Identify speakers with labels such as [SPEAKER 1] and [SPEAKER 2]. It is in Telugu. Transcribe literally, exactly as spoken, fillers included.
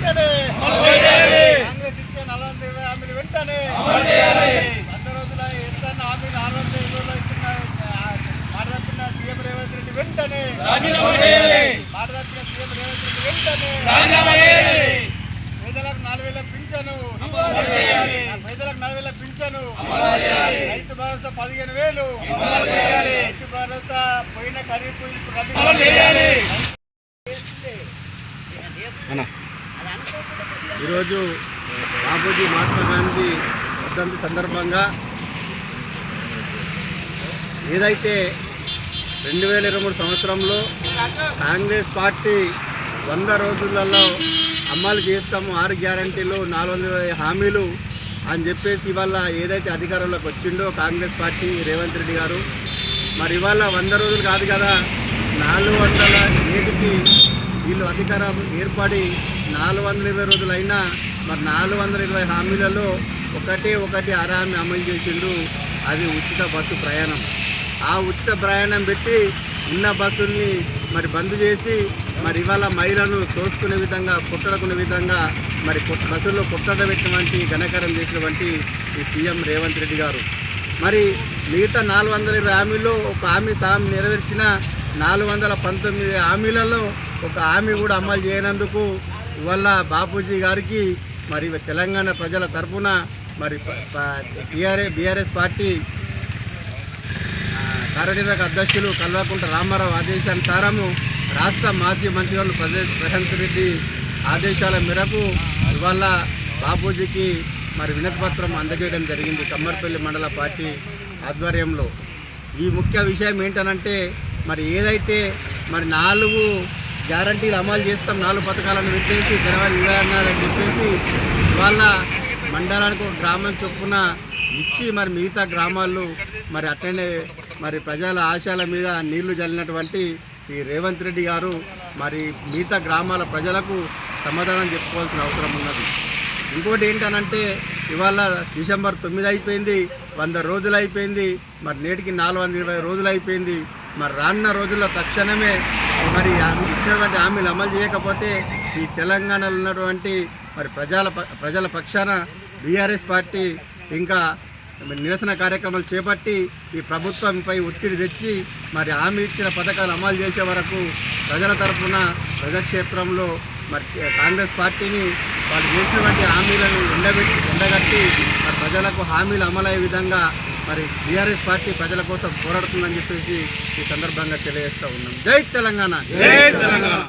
[SPEAKER 1] వెంటనే కాంగ్రెస్ ఇచ్చే నలభై ఇరవై హామీలు వెంటనే వంద రోజుల ఇస్తాన్న హామీలు ఆరు వందల ఇరవైలో ఇచ్చిన మాట తప్పిన సీఎం రేవంత్ రెడ్డి వెంటనే మాట తప్పిన సీఎం రేవంత్ రెడ్డి వెంటనే పేదలకు నాలుగు వేల పింఛను పేదలకు నాలుగు వేల పింఛను రైతు భరోసా పదిహేను వేలు రైతు భరోసా పోయిన ఖరీఫ్ ఈరోజు బాపూజీ మహాత్మా గాంధీ వర్ధంతి సందర్భంగా ఏదైతే రెండు వేల ఇరవై మూడు సంవత్సరంలో కాంగ్రెస్ పార్టీ వంద రోజులలో అమలు చేస్తాము ఆరు గ్యారంటీలు నాలుగు వందల ఇరవై హామీలు అని చెప్పేసి ఇవాళ ఏదైతే అధికారంలోకి వచ్చిండో కాంగ్రెస్ పార్టీ రేవంత్ రెడ్డి గారు మరి ఇవాళ వంద రోజులు కాదు కదా నాలుగు వందల ఏడుకి వీళ్ళు అధికారం ఏర్పడి నాలుగు వందల ఇరవై రోజులు అయినా మరి నాలుగు వందల ఇరవై హామీలలో ఒకటే ఒకటి అర హామీ అమలు చేసిండు. అది ఉచిత బస్సు ప్రయాణం. ఆ ఉచిత ప్రయాణం పెట్టి ఉన్న బస్సుల్ని మరి బంద్ చేసి మరి ఇవాళ మహిళలను తోసుకునే విధంగా కుట్టడుకునే విధంగా మరి బస్సుల్లో కుట్టడబెట్టినటువంటి ఘనకారం చేసినటువంటి ఈ సీఎం రేవంత్ రెడ్డి గారు మరి మిగతా నాలుగు వందల ఇరవై హామీల్లో ఒక హామీ సహం నెరవేర్చిన నాలుగు వందల పంతొమ్మిది హామీలలో ఒక హామీ కూడా అమలు చేయనందుకు ఇవాళ బాపూజీ గారికి మరి తెలంగాణ ప్రజల తరఫున మరి టీఆర్ఏ బీఆర్ఎస్ పార్టీ కార్యనిర్వాహక అధ్యక్షులు కల్వకుంట్ల రామారావు ఆదేశానుసారము రాష్ట్ర మాజీ మంత్రివర్యులు ప్రశాంత్ రెడ్డి ఆదేశాల మేరకు ఇవాళ బాపూజీకి మరి వినతిపత్రం అందజేయడం జరిగింది కమ్మర్పల్లి మండల పార్టీ ఆధ్వర్యంలో. ఈ ముఖ్య విషయం ఏంటనంటే మరి ఏదైతే మరి నాలుగు గ్యారంటీలు అమలు చేస్తాం నాలుగు పథకాలను పెట్టేసి జనవరి ఇరవై ఆరున అని చెప్పేసి ఇవాళ మండలానికి ఒక గ్రామం చొప్పున ఇచ్చి మరి మిగతా గ్రామాల్లో మరి అట్లనే మరి ప్రజల ఆశయాల మీద నీళ్లు జల్లినటువంటి ఈ రేవంత్ రెడ్డి గారు మరి మిగతా గ్రామాల ప్రజలకు సమాధానం చెప్పుకోవాల్సిన అవసరం ఉన్నది. ఇంకోటి ఏంటనంటే ఇవాళ డిసెంబర్ తొమ్మిది అయిపోయింది, వంద రోజులు అయిపోయింది, మరి నేటికి నాలుగు వందల ఇరవై రోజులు అయిపోయింది. మరి రానున్న రోజుల్లో తక్షణమే మరి ఇచ్చినటువంటి హామీలు అమలు చేయకపోతే ఈ తెలంగాణలో ఉన్నటువంటి మరి ప్రజల ప్రజల పక్షాన బీఆర్ఎస్ పార్టీ ఇంకా నిరసన కార్యక్రమాలు చేపట్టి ఈ ప్రభుత్వంపై ఒత్తిడి తెచ్చి మరి హామీ ఇచ్చిన పథకాలు అమలు చేసే వరకు ప్రజల తరఫున ప్రజాక్షేత్రంలో మరి కాంగ్రెస్ పార్టీని వాళ్ళు చేసినటువంటి హామీలను ఎండబెట్టి ఎండగట్టి మరి ప్రజలకు హామీలు అమలయ్యే విధంగా మరి బీఆర్ఎస్ పార్టీ ప్రజల కోసం పోరాడుతుందని చెప్పేసి ఈ సందర్భంగా తెలియజేస్తూ ఉన్నాం. జై తెలంగాణ.